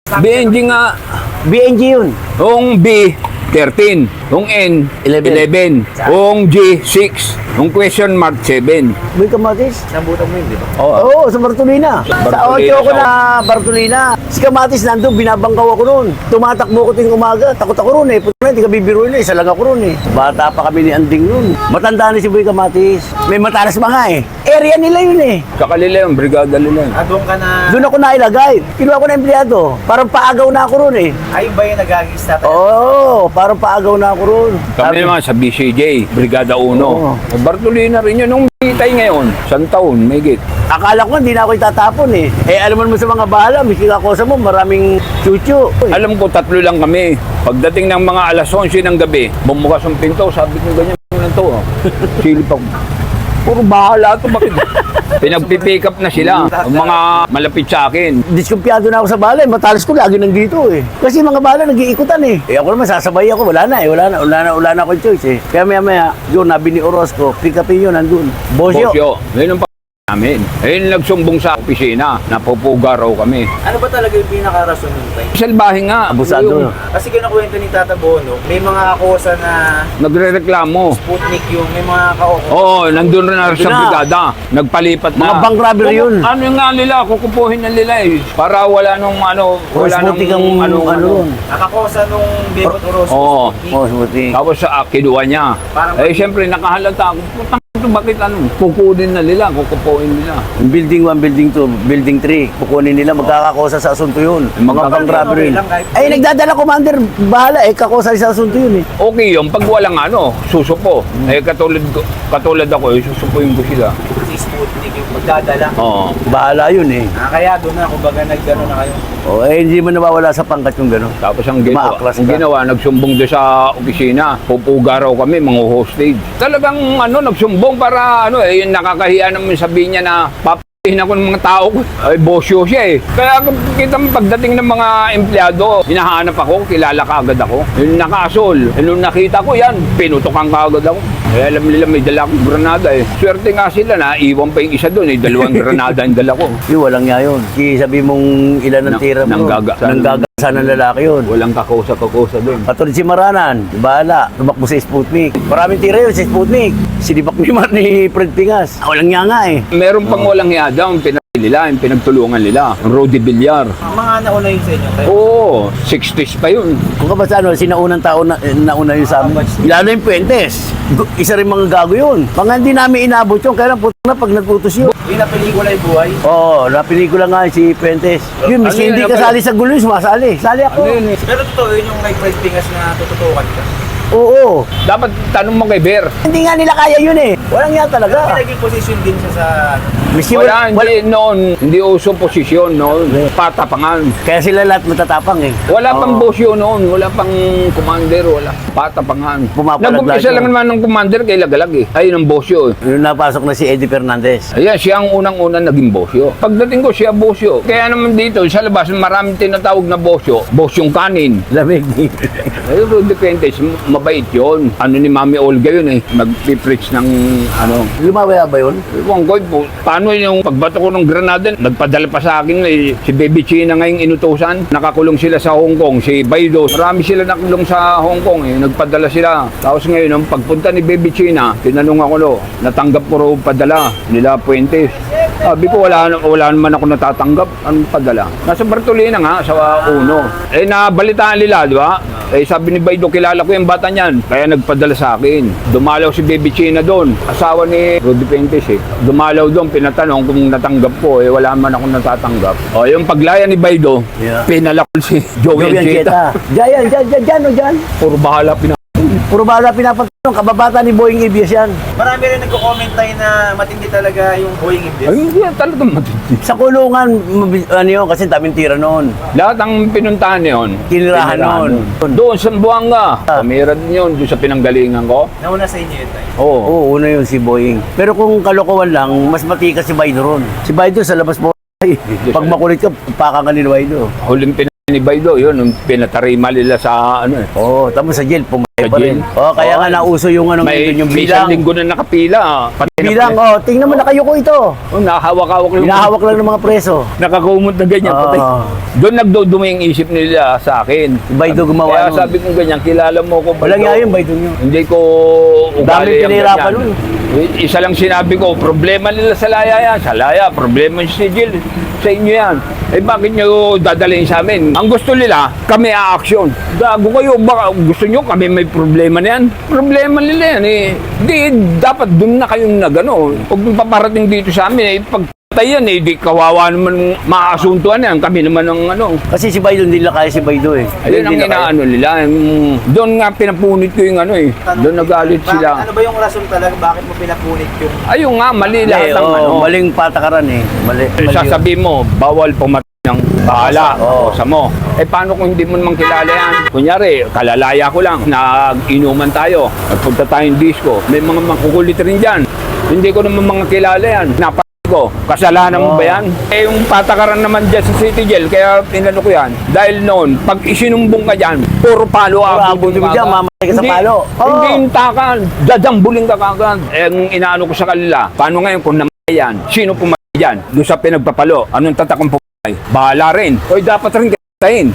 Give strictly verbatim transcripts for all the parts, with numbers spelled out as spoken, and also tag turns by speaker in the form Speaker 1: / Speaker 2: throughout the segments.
Speaker 1: B N G nga.
Speaker 2: B N G yun.
Speaker 1: Yung B, thirteen. Yung N,
Speaker 2: eleven.
Speaker 1: eleven. Yung G, six. Yung question mark, seven.
Speaker 2: Boy Kamatis.
Speaker 3: Nabutan mo yun, di ba?
Speaker 1: Oo.
Speaker 2: Oo, sa Bartolina. Sa
Speaker 1: Bartolina,
Speaker 2: audio ako
Speaker 1: sa-
Speaker 2: na Bartolina. Si Kamatis nandun, binabangkaw ako noon. Tumatakbo ko ting umaga. Takot ako roon eh. Puto na, hindi ka bibiruin eh. Isa lang ako roon eh. Bata pa kami ni Anding noon. Matanda na si Boy Kamatis. May matalas pa nga eh. Area nila yun eh.
Speaker 1: Sa kanila yung brigada nila. yun.
Speaker 3: Ah, doon ka na...
Speaker 2: Doon ako nailagay. Kinuha ko na empleyado. Parang paagaw na ako roon eh.
Speaker 3: Ay, ba yung nag-agis natin?
Speaker 2: Oo, parang paagaw na ako roon.
Speaker 1: Kami naman sa B C J, Brigada uno.
Speaker 2: Oo.
Speaker 1: Bartolina rin yun. Nung bitay ngayon, isang taon, may git.
Speaker 2: Akala ko hindi na ako itatapon eh. Eh alam mo naman sa mga bahala, miski ako sa mo, maraming chuchu.
Speaker 1: Alam ko, tatlo lang kami. Pagdating ng mga alas onse ng gabi, bumukas ang pinto, sabi ko ganyan lang to. Oh. Silip ako. Puro bahala to, bakit? Pinagpipick up na sila, ang mga malapit sa akin.
Speaker 2: Diskumpiyado na ako sa bahala eh. Matalas ko lagi nandito eh. Kasi mga bahala nag-iikutan eh. Eh ako naman sasabay ako, wala na eh. Wala na, wala na, wala na akong choice eh. Kaya maya maya, yun, nabi ni Orozco, pick upin yun, nandun. Bosyo.
Speaker 1: Bosyo, yun ang pa namin. Ayun nagsumbong sa opisina, napupuga raw kami.
Speaker 3: Ano ba talaga yung pinaka-rason nun, Tay?
Speaker 1: Salbahe nga.
Speaker 2: Abusado.
Speaker 1: Yung
Speaker 3: Kasi kinakwento ni Tata Bono, may mga akosa na
Speaker 1: Nagre-reklamo.
Speaker 3: Sputnik yung may mga ka-okosa.
Speaker 1: Oo, nandun rin na sa
Speaker 2: Nandun na.
Speaker 1: brigada. Nagpalipat na.
Speaker 2: Mga bank robbery
Speaker 1: Kuku-
Speaker 2: yun.
Speaker 1: Ano yung nga nila, kukupuhin na nila eh. Para wala nung ano, wala nung
Speaker 2: Sputnik ang
Speaker 1: ano,
Speaker 2: ano
Speaker 1: ano.
Speaker 2: yun.
Speaker 3: Nakakosa nung Bebot Orozco.
Speaker 1: Oo.
Speaker 3: Sputnik.
Speaker 2: Oh, smuti.
Speaker 1: Tapos sa kinuha niya.
Speaker 3: Parang-
Speaker 1: Eh, siyempre, nakahalata ako. Putang ito, bakit ano? Kukunin na nila, kukupuhin nila.
Speaker 2: Building one, building two, building three. Kukunin nila, magkakakosa sa asunto yun.
Speaker 1: Mga
Speaker 2: Mga bank
Speaker 3: okay
Speaker 2: robbery.
Speaker 3: lang kahit-
Speaker 2: Ay, nagdadala commander, bahala eh, kakosa sa asunto yun eh.
Speaker 1: Okay yun, pag walang ano, susupo. Eh, katulad, ko- katulad ako, eh, susupuin ko sila.
Speaker 3: Si Sputnik yung magdadala.
Speaker 1: Oo.
Speaker 2: Bahala yun eh.
Speaker 3: Ah, kaya doon na, kumbaga nag-ano na kayo.
Speaker 2: O, eh, hindi mo nawawala sa pangkat yung gano'n.
Speaker 1: Tapos ang ginawa,
Speaker 2: Maaklas
Speaker 1: ang
Speaker 2: ka.
Speaker 1: ginawa, nagsumbong doon sa opisina. Pupuga raw kami, mga hostage. Talagang ano, nagsumbong para ano eh, yung nakakahiya naman sabihin niya na papahin ako ng mga tao ko. Ay, bosyo siya eh. Kaya kung kita mo pagdating ng mga empleyado, hinahanap ako, kilala ka agad ako. Yung nakasol, eh, nung nakita ko yan, pinutokan ka agad ako. Eh, alam nila may dala akong granada eh. Swerte nga sila na, iwan pa yung isa doon eh, dalawang granada ang dala ko.
Speaker 2: Yung walang nga yun. Kasi sabi mong ilan ang
Speaker 1: Nang-
Speaker 2: tira mo.
Speaker 1: nanggaga-
Speaker 2: Nanggagasan ng lalaki yun.
Speaker 1: Walang kakusa-kakusa doon.
Speaker 2: Katulad si Maranan, bahala, tumakbo sa Sputnik. Maraming tira yun sa Sputnik. Sinibak ni Mar ni Fred Pingas. Walang nga nga eh.
Speaker 1: Meron pang walang hiya daw, ang pinag nila, yung pinagtulungan nila, ang Rudy Villar.
Speaker 3: Mga nauna yun sa inyo, Tay.
Speaker 1: Oo, sixties pa yun.
Speaker 2: Kung ka ba sa ano, sinaunang tao na, eh, nauna yun sa amin. Lalo yung Puentes. Gu- Isa rin mga gago yun. Mga hindi namin inabot yun, kaya lang puto na pag nagputos yun.
Speaker 3: Pinapelikula yung buhay.
Speaker 2: Oo, oh, napelikula nga si Puentes. Yun,
Speaker 1: Ano
Speaker 2: miski
Speaker 1: yun,
Speaker 2: hindi
Speaker 1: ano ba
Speaker 2: kasali sa gulo yun, sumasali. Sali ako.
Speaker 1: Ano yun eh?
Speaker 3: Pero totoo yun yung kay Fred Pingas na tututukan ka.
Speaker 2: Oo.
Speaker 1: Dapat tanong mo kay Bear.
Speaker 2: Hindi nga nila kaya yun eh. Walang nga
Speaker 3: Pero
Speaker 2: talaga.
Speaker 3: may naging position din siya sa...
Speaker 2: Miski
Speaker 1: Wala,
Speaker 2: wala,
Speaker 1: hindi noon, hindi uso posisyon noon, patapangan.
Speaker 2: Kaya sila lahat matatapang eh.
Speaker 1: Wala pang
Speaker 2: Oo.
Speaker 1: bosyo noon, wala pang commander, wala. Patapangan.
Speaker 2: Pumapalag
Speaker 1: Nag-umpisa
Speaker 2: lahat
Speaker 1: lang
Speaker 2: yun.
Speaker 1: naman ng commander kay Lagalag eh. Ayun ang bosyo eh.
Speaker 2: Yung napasok na si Eddie Fernandez.
Speaker 1: Ayan, siya ang unang-unang naging bosyo. Pagdating ko, siya bosyo. Kaya naman dito, sa labas, maraming tinatawag na bosyo. Bosyong kanin.
Speaker 2: Lamig.
Speaker 1: Ay, Rudy Fuentes, mabait yun. Ano ni Mami Olga yun eh, mag-preach ng ano.
Speaker 2: Lumawaya ba yun?
Speaker 1: Ewan ko po, paano yung pagbato ko ng Granada, nagpadala pa sa akin eh, si Baby China ngayong inutusan. Nakakulong sila sa Hong Kong, si Baido. Marami sila nakulong sa Hong Kong eh, nagpadala sila. Tapos ngayon, nung pagpunta ni Baby China, tinanong ako no, natanggap ko raw padala nila Fuentes. Sabi ko, wala, wala naman ako natatanggap. Anong padala? Nasa Bartolina nga, sa Uno. Eh, nabalitaan nila, di ba? Eh, sabi ni Baido, kilala ko yung bata niyan. Kaya nagpadala sa akin. Dumalaw si Baby China doon. Asawa ni Rudy Fuentes eh. Dumalaw doon, pinatanong kung natanggap ko. Eh, wala man ako natatanggap. O, yung paglaya ni Baido,
Speaker 2: Yeah.
Speaker 1: pinalakol si Joey
Speaker 2: Joey
Speaker 1: Ancheta.
Speaker 2: Ancheta. Diyan, diyan, diyan, diyan, o diyan.
Speaker 1: Puro bahala pina...
Speaker 2: Puro bala pinapatanong, kababata ni Boeing Ibias yan.
Speaker 3: Marami rin nagko-comment tayo na matindi talaga yung Boeing Ibias.
Speaker 1: Ay, hindi yan talagang matindi.
Speaker 2: Sa kulungan, mabi- ano yun, kasi daming tira noon.
Speaker 1: Lahat ang pinuntahan niyon.
Speaker 2: Tinirahan
Speaker 1: tinirahan
Speaker 2: nun.
Speaker 1: nun. Doon sa Buanga. Pamira din yun, doon sa pinanggalingan ko.
Speaker 3: Nauna sa inyo yun, Tay.
Speaker 1: Oo.
Speaker 2: Oo, una yun si Boeing. Pero kung kalokohan lang, mas matikas si Baido ron. Si Baido sa labas mo, ay, pag makulit ka, paka ka ni Baido.
Speaker 1: Huling pinanibay do, yun, yung pinatarima nila sa ano eh.
Speaker 2: Oo, tapos sa jail, pum- Eh, pa rin. Oh, kaya nga nauso yung ano
Speaker 1: May,
Speaker 2: ngayon, yung
Speaker 1: may isang
Speaker 2: bilang.
Speaker 1: linggo na nakapila. Pati
Speaker 2: Bilang, oh, tingnan mo nakayuko ito.
Speaker 1: Oh, nakahawak-hawak lang.
Speaker 2: Hinahawak lang ng mga preso.
Speaker 1: Nakakumot na ganyan.
Speaker 2: Oo.
Speaker 1: Patay. Doon nagdudumi yung isip nila sa akin.
Speaker 2: Baydo gumawa
Speaker 1: Kaya
Speaker 2: nun.
Speaker 1: sabi ko ganyan, kilala mo ko.
Speaker 2: Walang nga yun, Baydo nyo.
Speaker 1: Hindi ko
Speaker 2: Dami
Speaker 1: ugali ang
Speaker 2: pinahirapan
Speaker 1: ganyan.
Speaker 2: nun.
Speaker 1: Isa lang sinabi ko, problema nila sa laya yan. Sa laya, problema si Jill. Sa inyo yan. Eh bakit nyo dadalhin sa amin? Ang gusto nila, kami a-action. Gago kayo, baka gusto nyo kami may problema na yan. Problema nila yan eh. Di, dapat dun na kayong nagano. Huwag nyo paparating dito sa amin eh. Pag tayo yan eh, di kawawa naman maasuntuan yan. Kami naman ang ano.
Speaker 2: Kasi si Baydo, hindi nila kaya si Baydo eh.
Speaker 1: Ayun ang
Speaker 2: Hindi nila kaya.
Speaker 1: inaano nila. yung- Doon nga pinapunit ko yung ano eh. Doon nagalit
Speaker 3: Bakit-
Speaker 1: sila.
Speaker 3: Ano ba yung rason talaga? Bakit mo pinapunit yung...
Speaker 1: Ayun nga, mali lahat
Speaker 2: Eh,
Speaker 1: ng
Speaker 2: oh,
Speaker 1: ano.
Speaker 2: maling patakaran eh. Mali. mali
Speaker 1: Sasabihin mo, bawal pumatay ng bahala
Speaker 2: Oo.
Speaker 1: o sa mo. Eh paano kung hindi mo naman kilala yan? Kunyari, kalalaya ko lang, nag-inuman tayo, nagpunta tayong disco, may mga makukulit rin dyan. Hindi ko naman mga kilala yan. Napa ko, kasalanan mo
Speaker 2: Oo.
Speaker 1: ba yan? Eh yung patakaran naman dyan sa City Jail, kaya pinano ko yan. Dahil noon, pag isinumbong ka dyan, puro palo
Speaker 2: Puro
Speaker 1: abot
Speaker 2: abot mo dyan, mamatay ka sa palo. Oo.
Speaker 1: Hindi yung takan, dadambuling ka kagad. Eh, ang inaano ko sa kanila, paano ngayon kung namatay yan? Sino pumatay dyan? Doon sa pinagpapalo, anong tatakang pumatay? Bahala rin. O dapat rin katayin.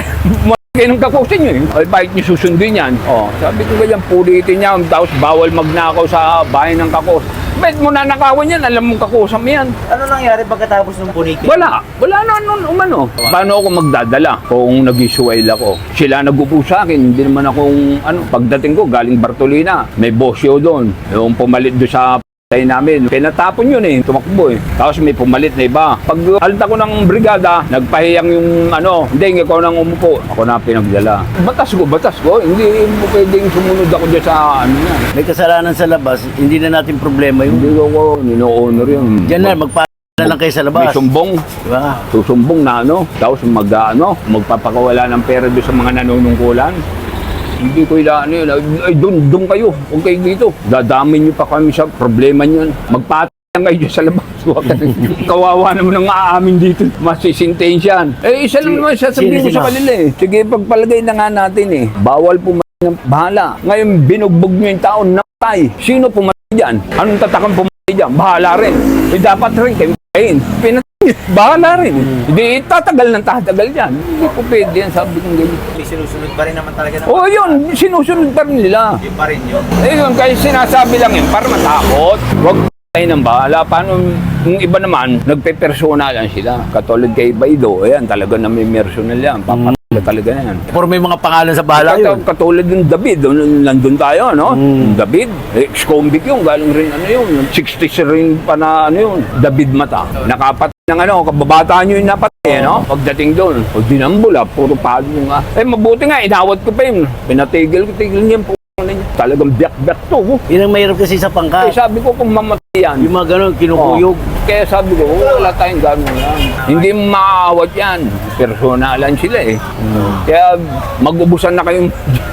Speaker 1: Kayo ng kakusin nyo eh. Ay, bakit nyo susundin yan? Oh, sabi ko ganyan, pulitin niya. Tapos bawal magnakaw sa bahay ng kakos. Bakit mo nanakawan yan? Alam mong kakusam yan.
Speaker 3: Ano nangyari pagkatapos ng punitin?
Speaker 1: Wala. Wala na nun umano. Paano ako magdadala kung nag-isuwail ako? Sila nag-upo sa akin. Hindi naman akong, ano, pagdating ko, galing Bartolina. May bosyo doon. Yung pumalit doon sa tayo namin. Pinatapon yun eh. Tumakbo eh. Tapos may pumalit na iba. Pag alta ko ng brigada, nagpahiyang yung ano, hindi, ikaw nang umupo. Ako na pinagdala. Batas ko, batas ko. Hindi mo pwedeng sumunod ako dyan sa ano yan.
Speaker 2: May kasalanan sa labas, hindi na natin problema
Speaker 1: Hindi
Speaker 2: yun.
Speaker 1: ko ko, nino-honor yun.
Speaker 2: Diyan na, magpa na lang kayo sa
Speaker 1: May
Speaker 2: labas.
Speaker 1: sumbong.
Speaker 2: Diba?
Speaker 1: Susumbong na ano, tapos mag, ano, magpapakawala ng pera doon sa mga nanunungkulan. Hindi ko ilaan yun. Ay, doon, doon kayo. Huwag kayo dito. Dadamin nyo pa kami sa problema nyo. Magpatay lang kayo dyan sa labas. Huwag kayo. Kawawa naman ang aamin dito. Masisintensyan. Eh, isa lang naman sasabihin ko
Speaker 2: Sino,
Speaker 1: sa
Speaker 2: sino?
Speaker 1: kanila eh. Sige, pagpalagay na nga natin eh. Bawal pumatay ng bahala. Ngayon, binugbog nyo yung taon na patay. Sino pumatay dyan? Anong tatakang pumatay dyan? Bahala rin. Eh, dapat rin kayo patayin. Pinatay. Bahala rin. Hindi, tatagal ng tatagal yan. Hindi ko pwede yan, sabi kong ganyan.
Speaker 3: May sinusunod pa rin naman talaga ng...
Speaker 1: Oo, oh, yun, sinusunod pa rin nila.
Speaker 3: Yun pa rin yun.
Speaker 1: Eh yun, kaya sinasabi lang yun, para matakot. Huwag tayo ng bahala. Paano, yung iba naman, nagpe-persona lang sila. Katulad kay Baydo, ayan, talaga na may personal yan. Papatala talaga yan.
Speaker 2: Pero may mga pangalan sa bahala yun.
Speaker 1: Kat- Katulad ng David, nung nandun tayo, no?
Speaker 2: Mm.
Speaker 1: David, eh, ex-convict yun, galing rin, ano yun, sixties rin pa na, ano yun, David Mata. Nakapatay ng ano, kababataan nyo yung napatay, no? Pagdating doon, o dinambula, puro palo nga. Eh, mabuti nga, inawat ko pa yun. Pinatigil ko, tigil niya yung p***. Talagang biyak-biyak to. Oh.
Speaker 2: Yun ang mahirap kasi sa
Speaker 1: Eh,
Speaker 2: pangkat.
Speaker 1: sabi ko kung mamatay yan.
Speaker 2: Yung mga ganun, kinukuyog.
Speaker 1: Oh. Kaya sabi ko, oh, wala tayong gano'n yan. Hindi maaawat yan. Personalan sila eh. Kaya mag-ubusan na kayong...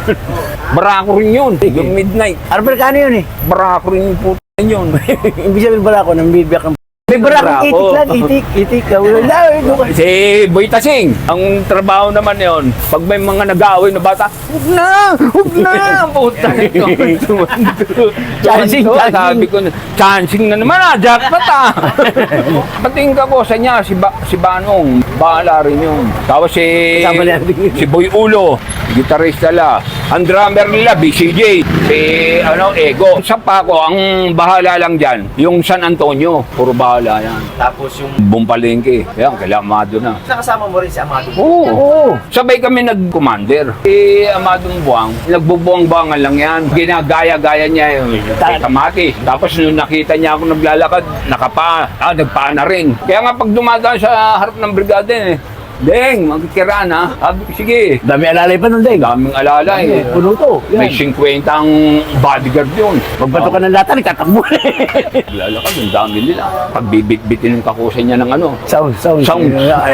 Speaker 1: Barako rin yun. Yung midnight.
Speaker 2: Ano Amerikano yun eh?
Speaker 1: Barako rin yung puto yun.
Speaker 2: Ibig sabihin pala ako, nang bibigyak ng... May barakong
Speaker 1: Barako.
Speaker 2: itik lang, itik, itik. Wala, wala.
Speaker 1: Si Boy Tasing, ang trabaho naman yon, pag may mga nag-aaway na bata, huwag na! Huwag na! Puta ito.
Speaker 2: Chancing, chancing.
Speaker 1: Sabi ko, chancing na naman ah, jackpot ah! Patingin ka ko sa niya, si, ba, si Banong, bahala rin yun. Tapos si,
Speaker 2: Kasama niya.
Speaker 1: si Boy Ulo, gitarista la. Ang drummer nila, B C J, si ano, Ego. Sa Paco, ang bahala lang dyan, yung San Antonio, puro bahala yan.
Speaker 3: Tapos yung...
Speaker 1: Bumpalengke. Yan, kailamado na.
Speaker 3: Nakasama mo rin si Amado.
Speaker 1: Oo. Oo. Sabay kami nag-commander. Si Amadong Buwang, nagbubuwang-buwangan lang yan. Ginagaya-gaya niya yung kay Kamatis. Tapos nung nakita niya ako naglalakad, nakapa, ah, nagpaa na rin. Kaya nga pag dumadaan sa harap ng brigada eh, Deng, magkikiraan ha. Sabi ko, sige.
Speaker 2: Dami alalay pa nun, Deng.
Speaker 1: Daming alala eh.
Speaker 2: Puno to.
Speaker 1: May
Speaker 2: Yan.
Speaker 1: fifty ang bodyguard yun.
Speaker 2: Magbato ka ng lata, nagtatakbo.
Speaker 1: Lalakad, ang dami nila. Pag bibit-bitin yung kakusan niya ng ano.
Speaker 2: Sound, sound.
Speaker 1: Sound.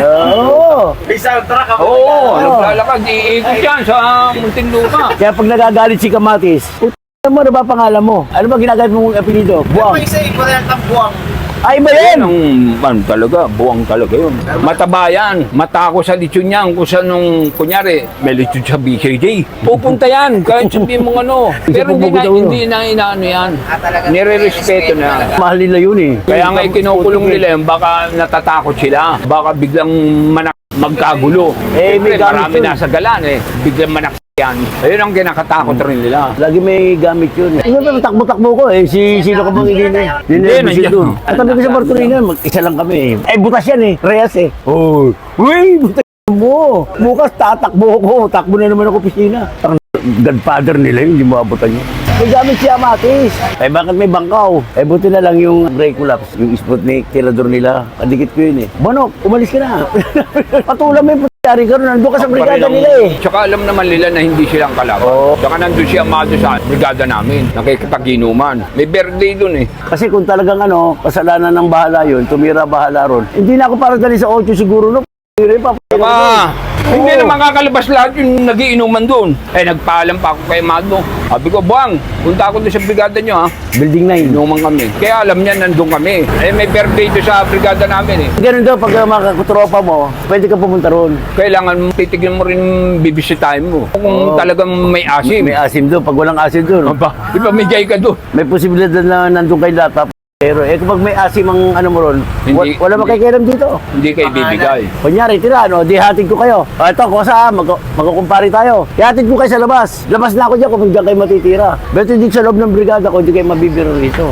Speaker 2: Oo.
Speaker 3: May soundtrack ako.
Speaker 1: Oo,
Speaker 2: Oo.
Speaker 1: naglalakad. Iikot yan sa Muntinlupa.
Speaker 2: Kaya pag nagagalit si Kamatis, puta mo, ano ba pangalan mo? Ano ba ginagamit mong apelido?
Speaker 3: Buwang.
Speaker 2: Buwang.
Speaker 3: May isa yung variant ng buwang.
Speaker 2: Ay ba
Speaker 1: Yan
Speaker 2: yan?
Speaker 1: ang, ano talaga, buwang talaga yun. Mataba yan. Mata ko sa lechon niyan. Kung sa nung, kunyari, may lechon sa B K J. Pupunta yan. Kahit sabihin mong ano. Pero hindi na, hindi na inaano yan.
Speaker 3: Ah, talaga.
Speaker 1: Nire-respeto na.
Speaker 2: Mahal nila yun eh.
Speaker 1: Kaya nga ikinukulong nila yun, baka natatakot sila. Baka biglang manak magkagulo.
Speaker 2: Eh, may
Speaker 1: Siyempre,
Speaker 2: gamit
Speaker 1: marami
Speaker 2: yun.
Speaker 1: nasa galan eh. Biglang manak yan. Ayun ang kinakatakot rin nila.
Speaker 2: Lagi may gamit yun. Ano ba, takbo-takbo ko eh. Si, sino ka bang hindi na? Hindi
Speaker 1: Hindi,
Speaker 2: na,
Speaker 1: nandiyan.
Speaker 2: doon. At tabi ko sa Bartolina, mag-isa lang kami eh. Eh, butas yan eh. Reyes eh. Oh. Uy, butas mo. Bukas tatakbo ko. Takbo na naman ako pisina. Ang godfather nila yun, hindi mo abutan yun. May gamit si Amatis. Eh, bakit may bangkaw? Eh, buti na lang yung brake collapse. Yung Sputnik, tirador nila. Kadikit ko yun eh. Bonok, umalis ka na. Patulang mo yung putari ka ron. Nandun ka sa brigada
Speaker 1: Parelang-
Speaker 2: nila eh.
Speaker 1: Tsaka alam naman nila na hindi silang kalaban.
Speaker 2: Oo.
Speaker 1: Tsaka nandun si Amado sa brigada namin. Nakikipag-inuman. May birthday dun eh.
Speaker 2: Kasi kung talagang ano, kasalanan ng bahala yun, tumira bahala ron. Hindi na ako para dali sa ocho siguro, no?
Speaker 1: Tsaka, hindi
Speaker 2: Oo.
Speaker 1: na makakalabas lahat yung nagiinuman doon. Eh, nagpaalam pa ako kay Amado. Sabi ko, Buwang, punta ako doon sa brigada nyo ha.
Speaker 2: Building nine.
Speaker 1: Inuman kami. Kaya alam niya, nandun kami. Eh, may birthday doon sa brigada namin eh.
Speaker 2: Ganun daw, pag uh, makakutropa mo, pwede ka pumunta ron.
Speaker 1: Kailangan titignan mo rin bibisitahin mo. Kung
Speaker 2: Oo.
Speaker 1: talagang may asim.
Speaker 2: May asim doon, pag walang asim doon.
Speaker 1: Aba, ipamigay ka doon.
Speaker 2: May posibilidad na nandun kay laptop. Pero eh kapag may asim ang ano mo ron,
Speaker 1: Hindi-
Speaker 2: wa- wala
Speaker 1: hindi.
Speaker 2: makikialam dito.
Speaker 1: Hindi kayo bibigay.
Speaker 2: Kunyari, tira, ano, di hatid ko kayo. O ito, kosa, mag magkukumpari tayo. Ihatid ko kayo sa labas. Labas na ako dyan kung diyan kayo matitira. Pero dito sa loob ng brigada ko, hindi kayo mabibiro rito.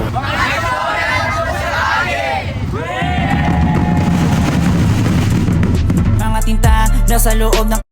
Speaker 4: Mga tinta nasa loob ng